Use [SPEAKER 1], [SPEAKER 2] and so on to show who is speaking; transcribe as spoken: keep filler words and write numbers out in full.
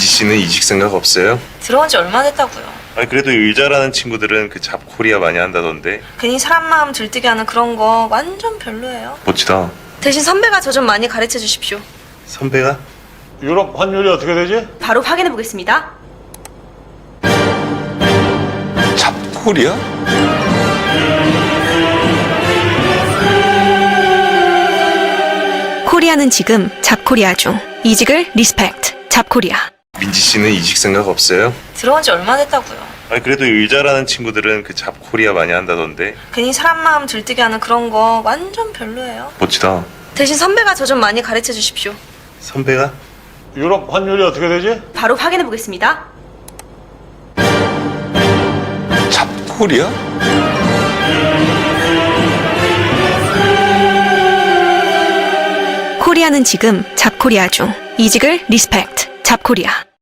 [SPEAKER 1] 민지 씨는 이직 생각 없어요?
[SPEAKER 2] 들어온 지 얼마 됐다고요.
[SPEAKER 1] 아니 그래도 의자라는 친구들은 그 잡코리아 많이 한다던데.
[SPEAKER 2] 괜히 사람 마음 들뜨게 하는 그런 거 완전 별로예요.
[SPEAKER 1] 멋지다.
[SPEAKER 2] 대신 선배가 저 좀 많이 가르쳐 주십시오.
[SPEAKER 1] 선배가?
[SPEAKER 3] 유럽 환율이 어떻게 되지?
[SPEAKER 2] 바로 확인해 보겠습니다.
[SPEAKER 1] 잡코리아?
[SPEAKER 2] 코리아는 지금 잡코리아 중. 이직을 리스펙트. 잡코리아.
[SPEAKER 1] 민지 씨는 이직 생각 없어요?
[SPEAKER 2] 들어온 지 얼마 됐다고요.
[SPEAKER 1] 아니 그래도 의자라는 친구들은 그 잡코리아 많이 한다던데.
[SPEAKER 2] 괜히 사람 마음 들뜨게 하는 그런 거 완전 별로예요.
[SPEAKER 1] 멋지다.
[SPEAKER 2] 대신 선배가 저 좀 많이 가르쳐 주십시오.
[SPEAKER 1] 선배가?
[SPEAKER 3] 유럽 환율이 어떻게 되지?
[SPEAKER 2] 바로 확인해 보겠습니다.
[SPEAKER 1] 잡코리아?
[SPEAKER 2] 코리아는 지금 잡코리아 중. 이직을 리스펙트. 잡코리아.